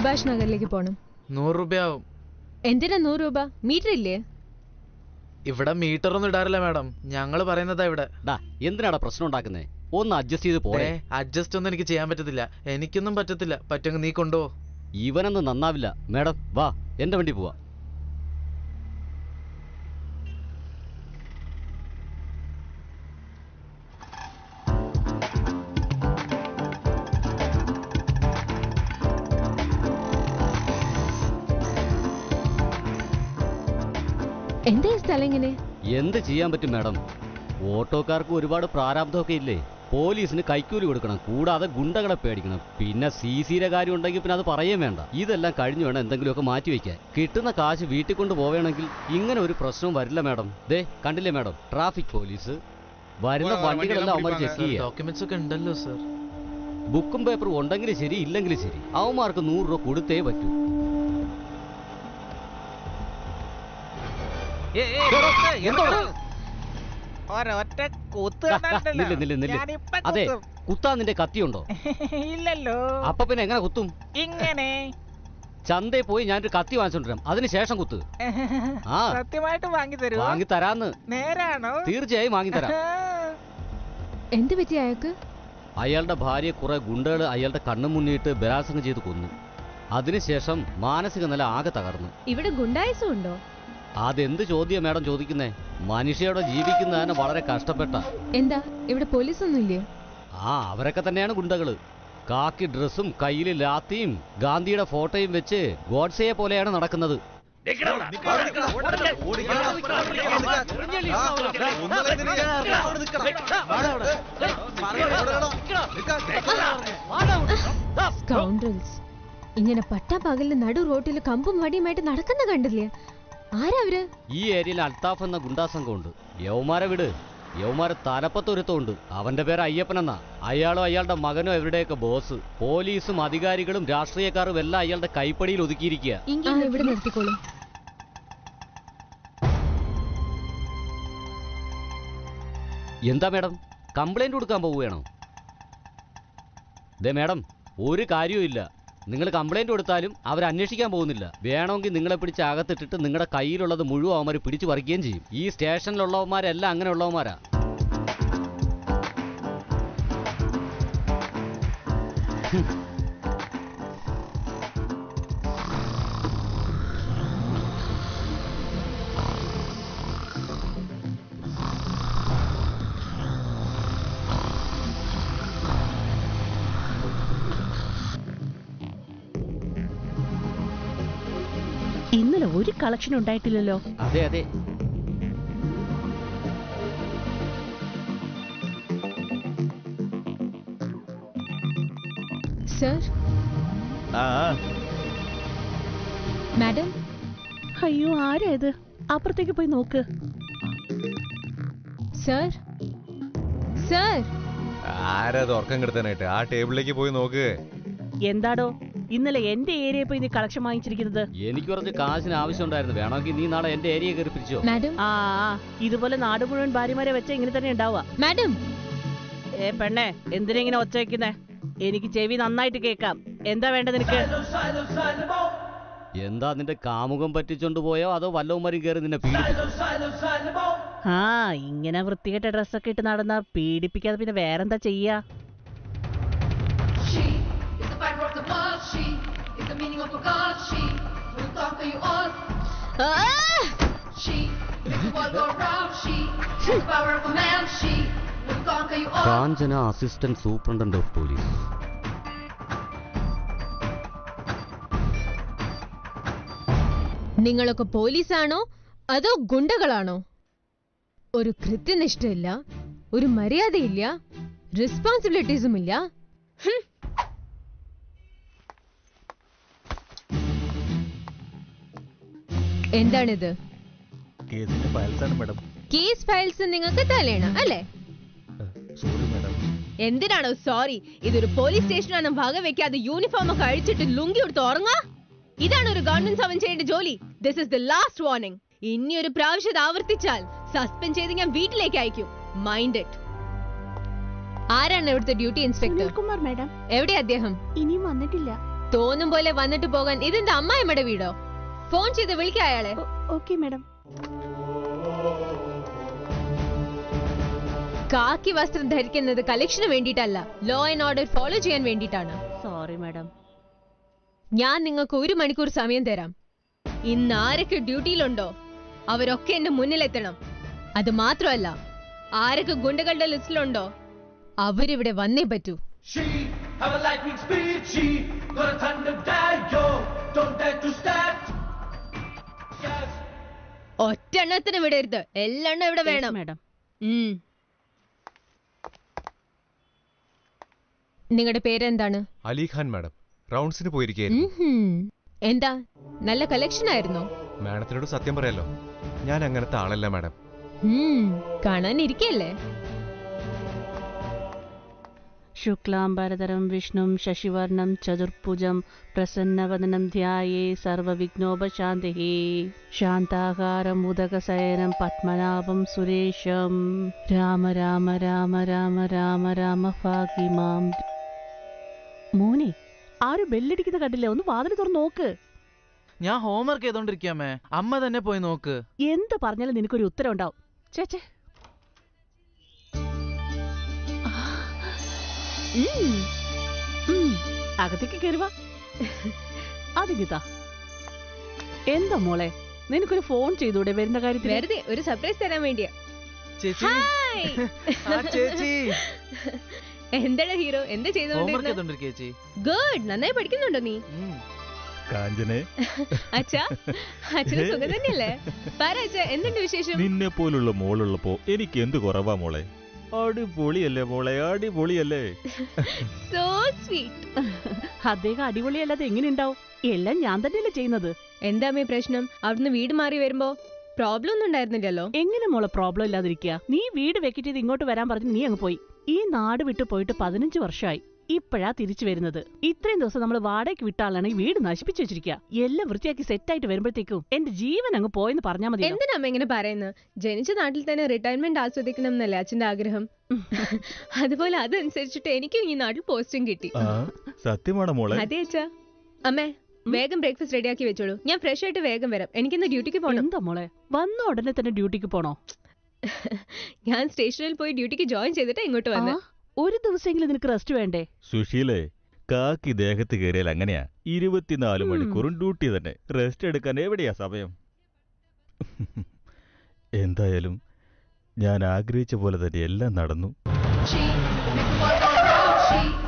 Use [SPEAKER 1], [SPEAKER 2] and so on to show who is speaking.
[SPEAKER 1] സുഭാഷ് നഗറിലേക്ക് പോണം.
[SPEAKER 2] 100 രൂപയാവും.
[SPEAKER 1] എന്തിനാ 100 രൂപ? മീറ്റർ ഇല്ലേ?
[SPEAKER 2] ഇവിടെ മീറ്റർ ഒന്നും ഇടാറില്ല മാഡം, ഞങ്ങള് പറയുന്നതാ ഇവിടെ.
[SPEAKER 3] എന്തിനാടാ പ്രശ്നം ഉണ്ടാക്കുന്നേ? ഒന്ന് അഡ്ജസ്റ്റ് ചെയ്ത് പോരെ.
[SPEAKER 2] അഡ്ജസ്റ്റ് ഒന്നും എനിക്ക് ചെയ്യാൻ പറ്റത്തില്ല, എനിക്കൊന്നും പറ്റത്തില്ല. പറ്റുമെങ്കിൽ നീ കൊണ്ടുപോ.
[SPEAKER 3] ഇവനൊന്നും നന്നാവില്ല. മാഡം വാ, എന്റെ വണ്ടി പോവാ.
[SPEAKER 1] എന്താ ഈ സ്ഥലം ഇങ്ങനെ?
[SPEAKER 3] എന്ത് ചെയ്യാൻ പറ്റും മാഡം? ഓട്ടോക്കാർക്ക് ഒരുപാട് പ്രാരാബ്ദമൊക്കെ ഇല്ലേ? പോലീസിന് കൈക്കൂലി കൊടുക്കണം, കൂടാതെ ഗുണ്ടകളെ പേടിക്കണം, പിന്നെ CCയുടെ കാര്യം ഉണ്ടെങ്കിൽ പിന്നെ അത് പറയേ വേണ്ട. ഇതെല്ലാം കഴിഞ്ഞു വേണം എന്തെങ്കിലുമൊക്കെ മാറ്റി വയ്ക്കാൻ. കിട്ടുന്ന കാശ് വീട്ടിൽ കൊണ്ട് പോവുകയാണെങ്കിൽ ഇങ്ങനെ ഒരു പ്രശ്നവും വരില്ല മാഡം. ദേ കണ്ടില്ലേ മാഡം, ട്രാഫിക് പോലീസ് വരുന്ന വണ്ടികളെല്ലാം അവന്മാർ ചെക്ക് ചെയ്യുക.
[SPEAKER 2] ഡോക്യുമെന്റ്സ് ഒക്കെ ഉണ്ടല്ലോ സർ.
[SPEAKER 3] ബുക്കും പേപ്പറും ഉണ്ടെങ്കിലും ശരി ഇല്ലെങ്കിലും ശരി അവന്മാർക്ക് 100 രൂപ കൊടുത്തേ പറ്റൂ. അതെ, കുത്താൻ നിന്റെ കത്തിയുണ്ടോ?
[SPEAKER 4] ഇല്ലല്ലോ.
[SPEAKER 3] അപ്പൊ പിന്നെ എങ്ങനെ കുത്തും?
[SPEAKER 4] ഇങ്ങനെ
[SPEAKER 3] ചന്തയിൽ പോയി ഞാനൊരു കത്തി വാങ്ങിച്ചോണ്ടിരാം, അതിനുശേഷം കുത്ത്. ആ
[SPEAKER 4] സത്യമായിട്ട് വാങ്ങി തരൂ?
[SPEAKER 3] വാങ്ങി തരാന്ന്.
[SPEAKER 4] നേരാണോ?
[SPEAKER 3] തീർച്ചയായും വാങ്ങി തരാം.
[SPEAKER 1] എന്ത് പറ്റി അയാൾക്ക്?
[SPEAKER 3] അയാളുടെ ഭാര്യയെ കുറെ ഗുണ്ടകൾ അയാളുടെ കണ്ണു മുന്നിട്ട് ബലാത്സംഗം ചെയ്ത് കൊന്നു. അതിനുശേഷം മാനസിക നില ആകെ തകർന്നു.
[SPEAKER 1] ഇവിടെ ഗുണ്ടായിസം ഉണ്ടോ?
[SPEAKER 3] അതെന്ത് ചോദ്യം മാഡം ചോദിക്കുന്നേ? മനുഷ്യയോടെ ജീവിക്കുന്നതിന് വളരെ കഷ്ടപ്പെട്ട.
[SPEAKER 1] എന്താ ഇവിടെ പോലീസ് ഒന്നും ഇല്ലേ?
[SPEAKER 3] അവരൊക്കെ തന്നെയാണ് ഗുണ്ടകള്. കാക്കി ഡ്രസ്സും കയ്യിൽ ലാത്തിയും ഗാന്ധിയുടെ ഫോട്ടോയും വെച്ച് ഗോഡ്സയെ പോലെയാണ് നടക്കുന്നത്.
[SPEAKER 1] ഇങ്ങനെ പട്ടാപ്പകലിന് നടു റോട്ടില് കമ്പും വടിയുമായിട്ട് നടക്കുന്ന കണ്ടില്ലേ? ആരാ അവര്?
[SPEAKER 3] ഈ ഏരിയയിൽ അൽത്താഫ് എന്ന ഗുണ്ടാ സംഘമുണ്ട്. യവമാരെ വിട്, യവമാരെ തലപ്പത്തൊരുത്തമുണ്ട്. അവന്റെ പേര് അയ്യപ്പനെന്നാ. അയാളും അയാളുടെ മകനും അവരുടെയൊക്കെ ബോസ്. പോലീസും അധികാരികളും രാഷ്ട്രീയക്കാരും എല്ലാം അയാളുടെ കൈപ്പടിയിൽ ഒതുക്കിയിരിക്കുക.
[SPEAKER 1] ഇവിടെ നിർത്തിക്കോളൂ.
[SPEAKER 3] എന്താ മാഡം, കംപ്ലൈന്റ് കൊടുക്കാൻ പോവുകയാണോ? ദേ മാഡം, ഒരു കാര്യവും ഇല്ല. നിങ്ങൾ കംപ്ലൈന്റ് കൊടുത്താലും അവർ അന്വേഷിക്കാൻ പോകുന്നില്ല. വേണമെങ്കിൽ നിങ്ങളെ പിടിച്ച് അകത്തിട്ടിട്ട് നിങ്ങളുടെ കയ്യിലുള്ളത് മുഴുവൻ അവന്മാർ പിടിച്ചു പറിക്കുകയും ചെയ്യും. ഈ സ്റ്റേഷനിലുള്ളവന്മാരെല്ലാം അങ്ങനെയുള്ളവന്മാരാ.
[SPEAKER 5] ഇന്നലെ ഒരു കളക്ഷൻ ഉണ്ടായിട്ടില്ലല്ലോ.
[SPEAKER 3] അതെ അതെ.
[SPEAKER 1] സർ. മാഡം.
[SPEAKER 5] അയ്യോ, ആരാ ഇത്? അപ്പുറത്തേക്ക് പോയി നോക്ക്.
[SPEAKER 1] സർ. സർ.
[SPEAKER 6] ആരാ ഉറക്കം കിടത്താനായിട്ട്? ആ ടേബിളിലേക്ക് പോയി നോക്ക്.
[SPEAKER 5] എന്താടോ ഇന്നലെ എന്റെ ഏരിയയിൽ പോയി നീ കളക്ഷൻ വാങ്ങിച്ചിരിക്കുന്നത്?
[SPEAKER 3] എനിക്ക് കുറച്ച് കാശിന് ആവശ്യം ഉണ്ടായിരുന്നു. വേണമെങ്കിൽ നീ നാളെ എന്റെ ഏരിയ കയറി പിടിച്ചോ.
[SPEAKER 5] ഇതുപോലെ നാട് മുഴുവൻ ഭാര്യമാരെ വെച്ച ഇങ്ങനെ തന്നെ ഉണ്ടാവുക.
[SPEAKER 1] മാഡം.
[SPEAKER 5] പെണ്ണെ, എന്തിനാ ഇങ്ങനെ ഒച്ച വെക്കുന്നേ? എനിക്ക് ചെവി നന്നായിട്ട് കേൾക്കാം. എന്താ വേണ്ടത് നിനക്ക്?
[SPEAKER 3] എന്താ നിന്റെ കാമുകം പറ്റിച്ചോണ്ട് പോയോ അതോ വല്ലവന്മാരും കയറി നിന്നെ പീഡിപ്പിച്ചു?
[SPEAKER 5] ഇങ്ങനെ വൃത്തികെട്ട ഡ്രസ്സൊക്കെ ഇട്ട് നടന്നാ പീഡിപ്പിക്കാതെ പിന്നെ വേറെന്താ ചെയ്യാ?
[SPEAKER 3] Kanchana, assistant superintendent of police.
[SPEAKER 1] നിങ്ങളൊക്കെ പോലീസാണോ അതോ ഗുണ്ടകളാണോ? ഒരു കൃത്യനിഷ്ഠയില്ല, ഒരു മര്യാദയില്ല, റെസ്പോൺസിബിലിറ്റീസും ഇല്ല. എന്താണിത്? കേസ് ഫയൽസ് നിങ്ങൾക്ക് തലേണ അല്ലേ? എന്തിനാണോ സോറി? ഇതൊരു പോലീസ് സ്റ്റേഷനാണ്. ഭാഗം വെക്കാതെ യൂണിഫോം ഒക്കെ അഴിച്ചിട്ട് ലുങ്കി എടുത്ത് ഉറങ്ങാ? ഇതാണ് ഒരു ഗവൺമെന്റ് സർവന്റ് ചെയ്യേണ്ട ജോലി. This is the last warning. ഇനി ഒരു പ്രാവശ്യം ആവർത്തിച്ചാൽ സസ്പെൻഡ് ചെയ്ത് ഞാൻ വീട്ടിലേക്ക് അയക്കും. Mind it. ആരാണ് ഇവിടുത്തെ ഡ്യൂട്ടി ഇൻസ്പെക്ടർ?
[SPEAKER 5] കുമാർ മാഡം.
[SPEAKER 1] എവിടെ അദ്ദേഹം?
[SPEAKER 5] ഇനിയും വന്നിട്ടില്ല.
[SPEAKER 1] തോന്നും പോലെ വന്നിട്ട് പോകാൻ ഇതെന്താ അമ്മായിമ്മയുടെ വീടോ? ഫോൺ ചെയ്ത് വിളിക്ക അയാളെ.
[SPEAKER 5] Okay madam.
[SPEAKER 1] കാക്കി വസ്ത്രം ധരിക്കുന്നത് കളക്ഷന് വേണ്ടിയിട്ടല്ല, ലോ ആൻഡ് ഓർഡർ ഫോളോ ചെയ്യാൻ വേണ്ടിയിട്ടാണ്.
[SPEAKER 5] Sorry madam.
[SPEAKER 1] ഞാൻ നിങ്ങൾക്ക് 1 മണിക്കൂർ സമയം തരാം. ഇന്ന് ആരൊക്കെ ഡ്യൂട്ടിയിലുണ്ടോ അവരൊക്കെ എന്റെ മുന്നിലെത്തണം. അത് മാത്രമല്ല, ആരൊക്കെ ഗുണ്ടകളുടെ ലിസ്റ്റിലുണ്ടോ അവരിവിടെ വന്നേ പറ്റൂ.
[SPEAKER 7] She have a lightning speed. She got a thunder dagger. Don't dare to stand. Yes.
[SPEAKER 1] ഒറ്റെണ്ണത്തിന് വിടരുത്, എല്ലെണ്ണം ഇവിടെ വേണം.
[SPEAKER 5] മാഡം.
[SPEAKER 1] നിങ്ങളുടെ പേരെന്താണ്?
[SPEAKER 6] അലിഖാൻ മാഡം. റൗണ്ട്സിന് പോയിരിക്കുകയായിരുന്നു.
[SPEAKER 1] എന്താ നല്ല കളക്ഷൻ ആയിരുന്നോ?
[SPEAKER 6] മാഡത്തിനോട് സത്യം പറയാലോ, ഞാൻ അങ്ങനത്തെ ആളല്ല മാഡം.
[SPEAKER 1] കാണാനിരിക്കല്ലേ?
[SPEAKER 5] ശുക്ലാംബരധരം വിഷ്ണും ശശിവർണം ചതുർഭുജം പ്രസന്നവദനം ധ്യായേ സർവവിഘ്നോപശാന്തിഃ. ശാന്താകാരം ഉദകശയനം പത്മനാഭം സുരേശം. രാമ രാമ രാമ രാമ രാമ രാമ ഭാഗ്യ മാം. മോനെ, ആരും ബെല്ലടിക്കുന്ന കണ്ടില്ലേ? ഒന്ന് വാതിൽ തുറന്ന് നോക്ക്.
[SPEAKER 2] ഞാൻ ഹോംവർക്ക് ചെയ്തോണ്ടിരിക്കാമേ, അമ്മ തന്നെ പോയി നോക്ക്.
[SPEAKER 5] എന്ത് പറഞ്ഞാലും നിനക്കൊരു ഉത്തരം ഉണ്ടാവും. ചേച്ചേ, അകത്തേക്ക് കയറുക. അതിങ്ങിതാ. എന്താ മോളെ, നിനക്കൊരു ഫോൺ ചെയ്തൂടെ വരുന്ന കാര്യത്തിൽ?
[SPEAKER 1] വെറുതെ ഒരു സർപ്രൈസ് തരാൻ വേണ്ടിയാ.
[SPEAKER 2] ചേച്ചി, ആ ചേച്ചി.
[SPEAKER 1] എന്താടാ ഹീറോ, എന്താ
[SPEAKER 2] ഹോംവർക്ക്
[SPEAKER 1] ചെയ്തോണ്ടിരുന്നത്?
[SPEAKER 2] ചെയ്തോണ്ടിരിക്കുക ചേച്ചി.
[SPEAKER 1] ഗുഡ്, നന്നായി പഠിക്കുന്നുണ്ടോ നീ?
[SPEAKER 8] കാഞ്ചനെ,
[SPEAKER 1] അച്ഛാ, അച്ഛന് സുഖം തന്നെയല്ലേ? പറ അച്ഛാ, എന്തുണ്ട് വിശേഷം?
[SPEAKER 8] നിന്നെ പോലുള്ള മോളുള്ളപ്പോ എനിക്ക് എന്ത് കുറവാ മോളെ? അടിപൊളിയല്ലേ മോളെ, അടിപൊളിയല്ലേ?
[SPEAKER 1] So sweet.
[SPEAKER 5] അദ്ദേഹം അടിപൊളിയല്ലാതെ എങ്ങനെ ഉണ്ടാവും? എല്ലാം ഞാൻ തന്നെയല്ലേ ചെയ്യുന്നത്.
[SPEAKER 1] എന്താ അമ്മേ പ്രശ്നം? അവിടുന്ന് വീട് മാറി വരുമ്പോ പ്രോബ്ലം ഒന്നും ഉണ്ടായിരുന്നില്ലല്ലോ.
[SPEAKER 5] എങ്ങനെ മോളെ പ്രോബ്ലം ഇല്ലാതിരിക്കുക? നീ വീട് വെക്കിട്ട് ചെയ്ത് ഇങ്ങോട്ട് വരാൻ പറഞ്ഞു നീ അങ്ങ് പോയി. ഈ നാട് വിട്ടു പോയിട്ട് 15 വർഷമായി. ഇപ്പോഴാ തിരിച്ചു വരുന്നത്. ഇത്രയും ദിവസം നമ്മൾ വാടകയ്ക്ക് വിട്ട ആളാണ് ഈ വീട് നശിപ്പിച്ചു വെച്ചിരിക്കുക. എല്ലാം വൃത്തിയാക്കി സെറ്റായിട്ട് വരുമ്പോഴത്തേക്കും എന്റെ ജീവൻ അങ്ങ് പോയെന്ന് പറഞ്ഞാൽ മതി.
[SPEAKER 1] എന്തിനാ അമ്മ ഇങ്ങനെ പറയുന്നത്? ജനിച്ച നാട്ടിൽ തന്നെ റിട്ടയർമെന്റ് ആസ്വദിക്കണം എന്നല്ലേ അച്ഛന്റെ ആഗ്രഹം? അതുപോലെ അതനുസരിച്ചിട്ട് എനിക്കും ഈ നാട്ടിൽ പോസ്റ്റിംഗ് കിട്ടി.
[SPEAKER 8] സത്യമാണോ മോളെ?
[SPEAKER 1] അതെ അച്ഛാ. അമ്മേ, വേഗം ബ്രേക്ക്ഫാസ്റ്റ് റെഡിയാക്കി വെച്ചോളൂ. ഞാൻ ഫ്രഷ് ആയിട്ട് വേഗം വരാം. എനിക്കിന്ന് ഡ്യൂട്ടിക്ക് പോകണം.
[SPEAKER 5] എന്താ മോളെ, വന്ന ഉടനെ തന്നെ ഡ്യൂട്ടിക്ക് പോണോ?
[SPEAKER 1] ഞാൻ സ്റ്റേഷനിൽ പോയി ഡ്യൂട്ടിക്ക് ജോയിൻ ചെയ്തിട്ട് ഇങ്ങോട്ട് വന്നു.
[SPEAKER 5] ഒരു ദിവസമെങ്കിലും നിനക്ക് റെസ്റ്റ് വേണ്ടേ?
[SPEAKER 8] സുശീലേ, കാക്കി ദേഹത്ത് കയറിയാൽ അങ്ങനെയാ. 24 മണിക്കൂറും ഡ്യൂട്ടി തന്നെ. റെസ്റ്റ് എടുക്കാൻ എവിടെയാ സമയം? എന്തായാലും ഞാൻ ആഗ്രഹിച്ച പോലെ തന്നെ എല്ലാം നടന്നു.
[SPEAKER 7] She make the world go round. She